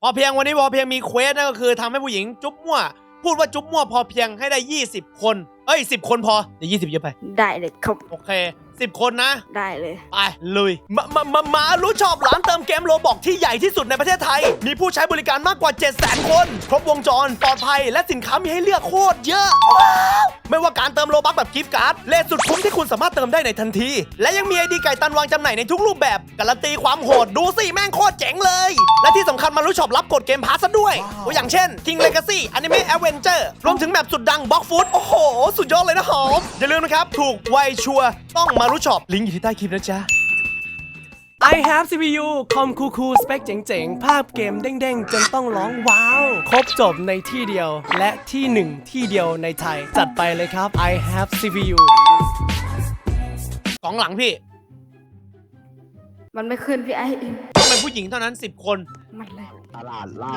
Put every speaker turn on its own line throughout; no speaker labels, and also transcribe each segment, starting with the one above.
พอเพียงวันนี้พอเพียงมีเควสนั่นก็คือทำให้ผู้หญิงจุ๊บมั่วพูดว่าจุ๊บมั่วพอเพียงให้ได้20 คน10 คนพอเดี๋ยว20เยอะไป
ได้เลยครับ
โอเค10 คนนะ
ได้เลย
ไปลุยมารู้ชอบร้านเติมเกมโรบอกที่ใหญ่ที่สุดในประเทศไทยมีผู้ใช้บริการมากกว่า 700,000 คนครบวงจรปลอดภัยและสินค้ามีให้เลือกโคตรเยอะว้าวไม่ว่าการเติมโลบัคแบบกิฟต์การ์ดเลทสุดคุ้มที่คุณสามารถเติมได้ในทันทีและยังมีไอดีไก่ตันวางจำหน่ายในทุกรูปแบบการันตีความโหดดูสิแม่งโคตรเจ๋งเลยและที่สำคัญมารู้ชอบรับกดเกมพาสซะด้วยตัวอย่างเช่น King Legacy Anime Adventure รวมถึงแบบสุดดัง Block Food โอ้โหสุดยอดเลยนะหอมอย่าลืมนะครับถูกไวชัวร์ต้องมารู้ชอบลิงก์อยู่ที่ใต้คลิปนะจ๊ะ I have CPU คอมคูลๆสเปคเจ๋งๆ ภาพเกมเด้งๆ จนต้องร้องว้าว ครบจบในที่เดียว และที่หนึ่งที่เดียวในไทย จัดไปเลยครับ I have CPU สองหลังพี่
มันไม่ขึ้นพี่ไอ้
ต้องเป็นผู้หญิงเท่านั้น 10 คน
มันเลย
ตลาดเหล้า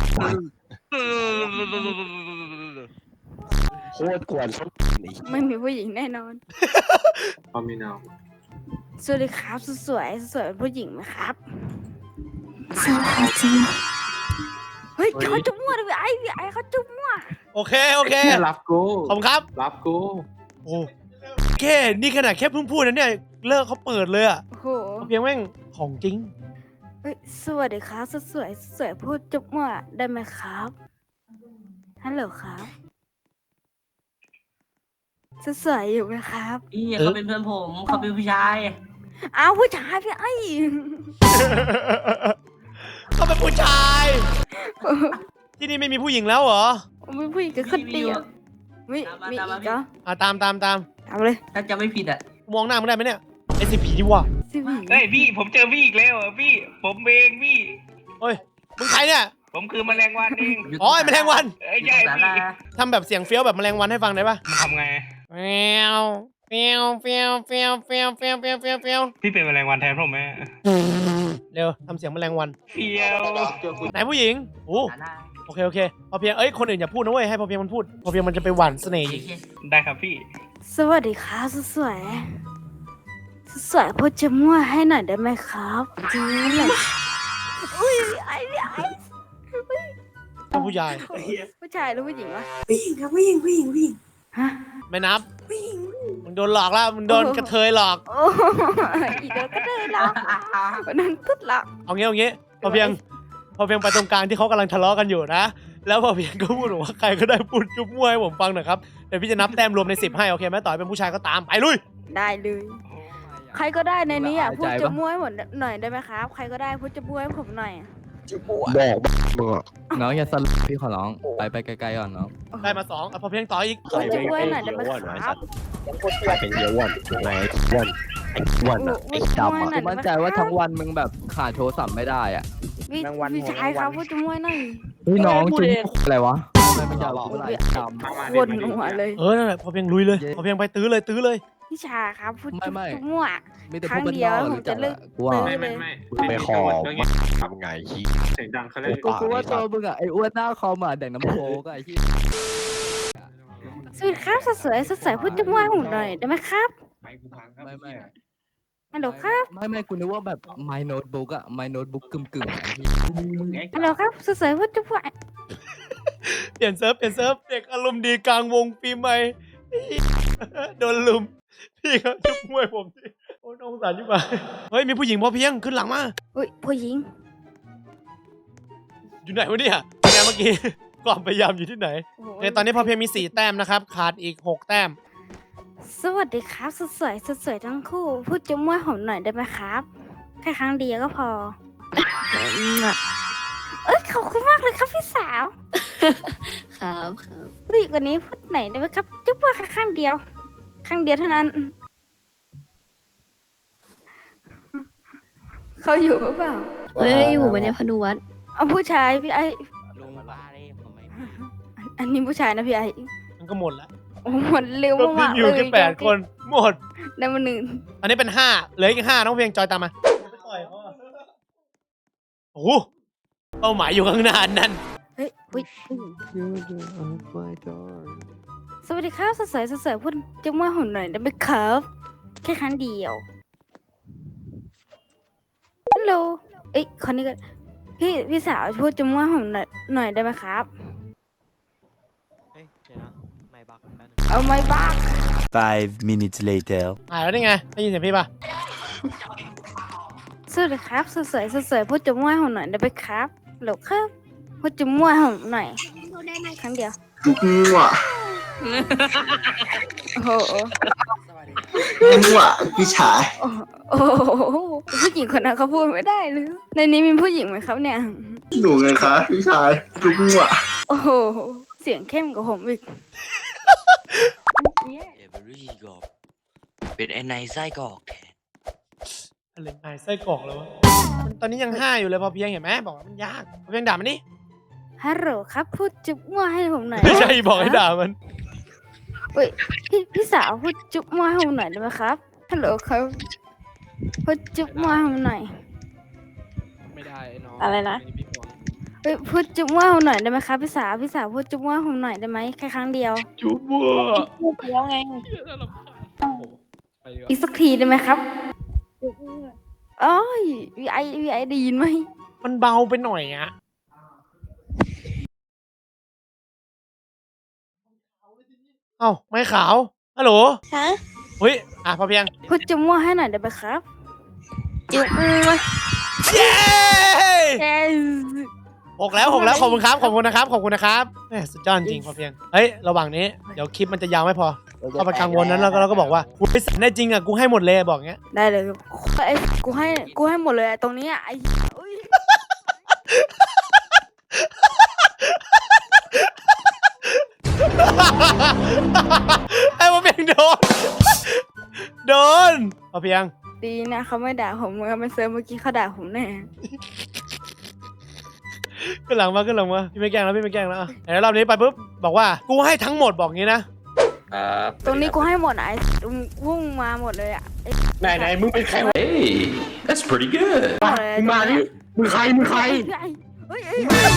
โคตรกวนส้นนี่
ไม่มีผู้หญิงแน่นอน
พอมีนาว
สวัสดีครับสวยเป็นผู้หญิงไหมครับ
สวัสดีจ้า
เฮ้ยเขาจุ๊บมั่วเลยพี่ไอ้เขาจุ๊บมั่ว
โอเค โอเค
แค่รับกู
ขอบคุณครับ
รับกู
โอ้แค่นี่ขนาดแค่เพิ่งพูดนะเนี่ย เลิกเขาเปิดเลยอะ
โอ้โห
เพียงแม่งของจริง
เฮ้ยสวัสดีครับสวยพูดจุ๊บมั่วได้ไหมครับฮัลโหลครับสวยอยู่ไหมครับ
พี่เขาเป็นเพื่อนผมเขาเป็นผู้ชาย
อ้าวผู้ชายพี่ไอ้
เขาเป็นผู้ชาย ที่นี่ไม่มีผู้หญิงแล้วเหรอ
มีผู้หญิงกับคนเดียวมีอีกเหรอ
ตาม
ตามเลย
ถ้าจะไม่ผิดอ่ะ
มองหน้ามึงได้ไหมเนี่ย SCP ดีว่ะ
สิพี่
เฮ้ยพี่ผมเจอพี่อีกแล้วอ่ะพี่ผมเองพี่
เฮ้ย มึงใครเนี่ย
ผมคือแมลงวันเอง
อ๋อไอ้แมลงวัน
เอ้ยใช่
สา
พี่
รา
ทำแบบเสียงเฟี้ยวแบบแมลงวันให้ฟังได้ปะ
มันทำไง
เฟี้ยวเฟี้ยวเฟี้ยวเฟี้ยวเฟี้ยวเฟี้ยวเฟี้ยวเฟี้ยวเฟี้ยว
พี่เป็นแมลงวันแทนผมไหม
เร็วทำเสียงแมลงวัน
เฟียว
ไหนผู้หญิงโอ้
สารา
โอเคพอเพียงคนอื่นอย่าพูดนะเว้ยให้พอเพียงมันพูดพอเพียงมันจะไปหว่านเสน่ห์อีก
ได้ครับพี่
สวัสดีครับสวยพูดจะมั่วให้หน่อยได้ไหมครับจริงเลยอุ้ยไอ้
ถ้าผู้ใหญ่
ผู้ชายหรือผู้หญิงวะ
ผู้หญิงครับผู้หญิง
ฮะ
ไม่นับมึงโดนหลอกแล้วมึงโดนกระเทยหลอก
โอ้อีเดียวก็ได้หรอกวันนั้นตุ๊ดหรอก
เอางี้พอเพียงไปตรงกลางที่เขากำลังทะเลาะกันอยู่นะ แล้วพอเพียงก็พูดว่าใครก็ได้พูดจุ๊บมั่วให้ผมฟังหน่อยครับเดี๋ยวพี่จะนับแต้มรวมใน10ให้โอเคไหมต่อให้เป็นผู้ชายก็ตามไปลุย
ได้เลยใครก็ได้ในนี้อ่ะพูดจะมั่วให้หมดหน่อยได้ไหมครับ ใครก็ได้พูดจะมั่วให้ผมหน่อย
บอกมึงอ่ะ
น้องอย่าสลบพี่ขอร้องไปไกลๆก่อนน้อง
ได้มา2พอเพียงต่ออีก
พูดจะมั่วให้หน่อยได้ไหมครับ
ใครเป็นเยอะวันไหนวันไอ้วันอ่ะไอ้ดำอ่ะ
หน่อยได้ไหม
มั่นใจว่าทั้งวันมึงแบบขาดโทรศัพท์ไม่ได้อ่ะ
พี่ชายครับพูดจะมั่วหน่อย
เฮ้ยน้องจุ๊บอะไรวะทำไมมันอยากพูดอะไรดำ
วนหัวเลย
นั่นแหละพอเพียงลุยเลยพอเพียงไปตื้อเลย
พี่ชายครับพูดจะ
ไม่
มั่ว
มีแต่
ครั้
พว
ง
กเป็น
เดีย
น
ว
อก
ผม
รู้
จะ
จัก
เลิก
กูว่า
ตื้
ไม่
ไปขอทำไงขี้
เสียงดังเขาเลย
กูว่าตัวมึงอ่ะไอ้อ้วนหน้าคอมอ่ะแดงน้ำโค้กอะไอ้ที่
สวัสดีครับสวยพูดจะมั่วให้ผมหน่อยได้ไหมครับ
ไปกูพังครับ
ไม่
ฮัลโหลครับ
ไม่กูนึกว่าแบบ my notebook อ่ะ my notebook กึ่งๆอะไอ้ที่
ฮัลโหลครับสวยพูดจะมั่ว
เปลี่ยนเซิร์ฟเด็กอารมณ์ดีกลางวงปีใหม่โดนลุมพี่ครับจุ๊บมวยผมสิโอ้น้องสารจุ๊บมาเฮ้ยมีผู้หญิงพอเพียงขึ้นหลังมา
อุ้ยผู้หญิง
อยู่ไหนวะเนี่ยเป็นไงเมื่อกี้ความพยายามอยู่ที่ไหนตอนนี้พอเพียงมี4แต้มนะครับขาดอีก6แต้ม
สวัสดีครับสวยทั้งคู่พูดจะมั่วผมหน่อยได้ไหมครับแค่ครั้งเดียวก็พอเอ้ยขอบคุณมากเลยครับพี่สาว
ครับ
ผู้หญิงคนนี้พูดไหนอยได้ไหมครับจะมั่วแค่ครั้งเดียวเท่านั้นเขาอยู่หรือเปล่า
เฮ้ยอยู่บนเนี่ยพนุวัฒน์
เอาผู้ชายพี่ไอ
ลงบ้าเลยผมไม่
อันนี้ผู้ชายนะพี่ไอ
มันก็หมดแล้ว
โอ้หมดเร็ว
ก็พี่
มาก
อยู่
เลย
แค่8คนหมด
ได้มาหนึ่ง
อันนี้เป็น5เหลืออีก5น้องเพียงจอยตามมาโอ้โหเป้าหมายอยู่ข้างหน้านั่น
เฮ้ยอุ๊ยสวัสดีครับสวยพูดจะมั่วผมหน่อยได้ไหมครับแค่ครั้งเดียวฮัลโหลเอ้ยคนนี้ก็พี่สาวพูดจุ๊มั่วผมหน่อยได้ไหมครับ
เฮ้ยเดี๋ยวนะไม่บักแป๊บนึง
เอาไม่บ้า
5 minutes later
หายแล้วนี่ไงได้ยินเสียงพี่ป่ะ
สวัสดีครับสวยพูดจุ๊มั่วผมหน่อยได้ไหมครับหรอครับพูดจุ๊มั่วผมหน่อยครั้งเดียวมั่วโอ้โห
มั่วพี่ชาย
โอ้โหผู้หญิงคนนั้นเขาพูดไม่ได้เลยในนี้มีผู้หญิงไหมครับเนี่ย
หนูไงคะพี่ชายลูกมั่ว
โอ้โหเสียงเข้มกว่าผมอีก
เอเวอรี่กอกเป็นไอ้นายไส้กอกแทน
อะไรนายไส้กรอกแล้ววะมันตอนนี้ยัง5อยู่เลยพอเพียงเห็นไหมบอกว่ามันยากพอเพียงด่ามันนี่
ฮัลโหลครับพูดจุ๊มั่วให้ผมหน่อย
ไม่ใช่บอกให้ด่ามัน
เฮ้ยพี่สาวพูดจุ๊มั่วให้ผมหน่อยได้ไหมครับฮัลโหลครับพูดจุ๊มั่วให้ผมหน่อย
ไม่ได้น้อง
อะไรนะ
พี่ห่วง
เฮ้ยพูดจุ๊มั่วให้ผมหน่อยได้ไหมครับพี่สาวพูดจุ๊มั่วให้ผมหน่อยได้ไหมแค่ครั้งเดียว
จุ๊บบัว
พูดไปแล้วไง
ไปดีกว่า
อีกสักทีได้ไหมครับโอ้ยวีไอได้ยินไหม
มันเบาไปหน่อยอะเอ้าไม่ขาวฮัลโหล
ฮะ
เฮ้ยพอเพียง
พูดจุ๊มั่วให้หน่อยได้ไหมครับ
จุ๊บมั่ว
เย้
เอ้ย
6 แล้วขอบคุณครับขอบคุณนะครับแหมสุดยอดจริงพอเพียงเฮ้ยระหว่างนี้เดี๋ยวคลิปมันจะยาวไม่พอเข้าไปกังวลนั้นแล้วเราก็บอกว่ากูไปสั่นได้จริงอ่ะกูให้หมดเลยบอกเงี้ย
ได้เลยครับไอ้กูให้หมดเลยอะตรงนี้อะไอ้อุ๊ย
ไอ้พอเพียงโดนพอเพียง
ดีนะเขาไม่ด่าผมเหมือนมันเซิร์ฟเมื่อกี้เขาด่าผมแน่
ขึ้นหลังมาพี่ไม่แกล้งแล้วอ่ะแต่รอบนี้ไปปุ๊บบอกว่ากูให้ทั้งหมดบอกงี้นะ
ตรงนี้กูให้หมดอะไอ้วุ่งมาหมดเลยอะไอ้
ไหนมึงเป็นใครวะ
Hey that's pretty good
หมดเลย
มึงมาดิมึงใคร
เฮ้ย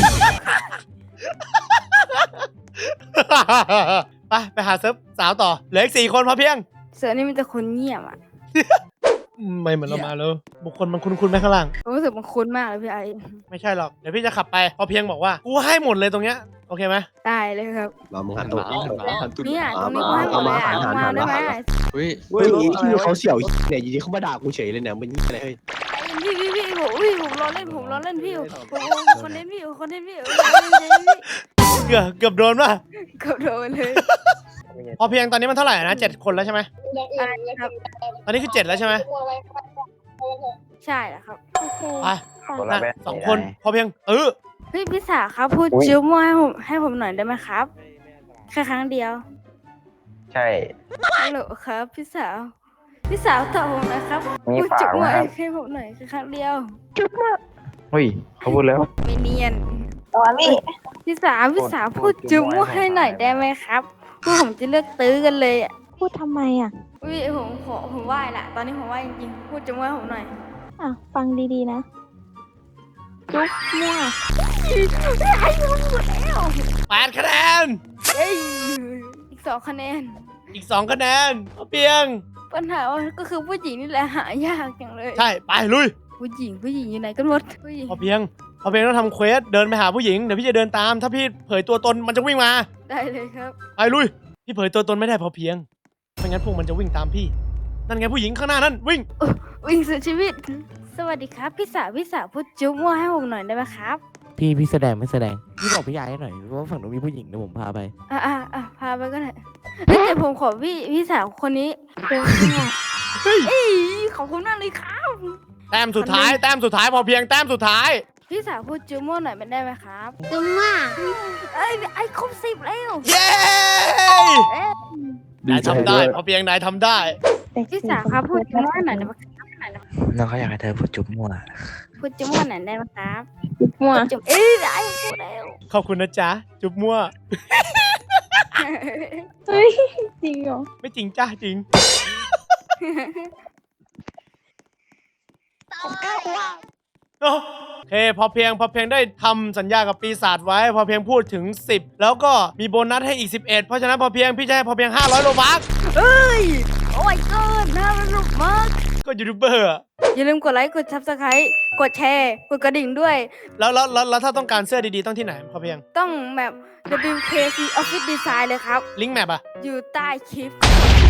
ไปหาเซิร์ฟสาวต่อเหลืออีก4 คนพอเพียง
เสือนี่มันจะคนเงียบอะ
ไม่เหมือนเรามาเลยบุคคลมันคุ้นๆไหมข้างล่าง
รู้สึกมันคุ้นมากเลยพี่ไอ
ไม่ใช่หรอกเดี๋ยวพี่จะขับไปพอเพียงบอกว่ากูให้หมดเลยตรงเนี้ยโอเคไหม
ได้เลยครับ
มามึงหันตัวนี้หันตัว
เนี่ยตรงนี้กูให้หมดเลยอะเอามาได้ไหม
เฮ้ยที่เขาเสี่ยวเนี่ยอยู่ดีเขามาด่ากูเฉยเลยเนี่ยมันอะไรเฮ้ย
ผมรอเล่นพี่ผมคนเล่นพี่
เกือบโดนป่ะ
เกือบโดนเลย
พอเพียงตอนนี้มันเท่าไหร่นะ7 คนแล้วใช่ไหม
อะไรครับ
ตอนนี้คือ7แล้วใช่ไหม
ใช่แล้วครับ
ไปนะ2 คนพอเพียง
พี่สาวครับพูดจิ้วมั่วให้ผมหน่อยได้ไหมครับแค่ครั้งเดียว
ใช่
ฮัลโหลครับพี่สาวตอบผมนะครับพูดจิ้วมั่วให้ผมหน่อยแค่ครั้งเดียว
เฮ้ยเขาพูดแล้ว
ไม่เนียน
ตัวนี่
พี่สาวพูดจิ้วมั่วให้หน่อยได้ไหมครับพวกผมจะเลือกตื้อกันเลยอ่ะ
พูดทำไมอ่ะ
ผมไหว้ละตอนนี้ผมไหว้จริงๆพูดจิ้วมั่วให้ผมหน่อย
อ่ะ ฟังดีๆนะ จุ๊บมั่ว
ไอ้ผมหมดแล้ว
8 คะแนน
เอ้ยอีก2 คะแนน
อีก2 คะแนนพอเพียง
ปัญหาก็คือผู้หญิงนี่แหละหายากจังเลย
ใช่ไปลุย
ผู้หญิงอยู่ไหนกันหมดผู้หญิง
พอเพียงต้องทำเควสเดินไปหาผู้หญิงเดี๋ยวพี่จะเดินตามถ้าพี่เผยตัวตนมันจะวิ่งมา
ได้เลยครับ
ไปลุยพี่เผยตัวตนไม่ได้พอเพียงไม่งั้นพวกมันจะวิ่งตามพี่นั่นไงผู้หญิงข้างหน้านั่นวิ่ง
วิ่งสุดชีวิต สวัสดีครับพี่สาวพูดจุ๊บมั่วให้ผมหน่อยได้ไหมครับ
พี่แสดงไม่แสดงพี่บอกพี่ยายให้หน่อยว่าฝั่งนู้นมีผู้หญิงเดี๋ยวผมพาไป
พาไปก็ได้เฮ้ยแต่ผมขอพี่สาวคนนี้เอ้ยขอบคุณมากเลยครับ
แต้มสุดท้ายพอเพียงแต้มสุดท้าย
พี่สาวพูดจุ๊บมั่วหน่อยเป็นได้ไหมครับ
จุ๊บมั่ว
ไอ้ครบ10แล้ว
เย้นายทำได้พอเพียงนายทำได้
พี่สาวครับพูดจุ๊บมั่วหน่อยได้ไหมครับ
น้องเขาอยากให้เธอพูดจุ๊บมั่ว
พูดจุ๊บมั่วหน่อยได้ไหมครับ
จุ๊บมั่ว
จุ๊บไอ้พูดแล้ว
ขอบคุณนะจ๊ะจุ๊บมั่ว
เฮ้ย จริงเหรอ
ไม่จริงจ้าจริง โอเคพอเพียงได้ทำสัญญากับปีศาจไว้ พอเพียงพูดถึง10แล้วก็มีโบนัสให้อีก11เพราะฉะนั้นพอเพียงพี่จะให้พอเพียง500 โลบัค
เอ้ยโอ้ my god น่าสนุกมาก
ก็ยูทูบเบอร์อะ
อย่าลืมกดไลค์ กด subscribe กดแชร์ กดกระดิ่งด้วย
แล้วถ้าต้องการเสื้อดีๆต้องที่ไหนพอเพียง
ต้องแบบ WKC Office Design เลยครับ
ลิงก์แมปอะ
อยู่ใต้คลิป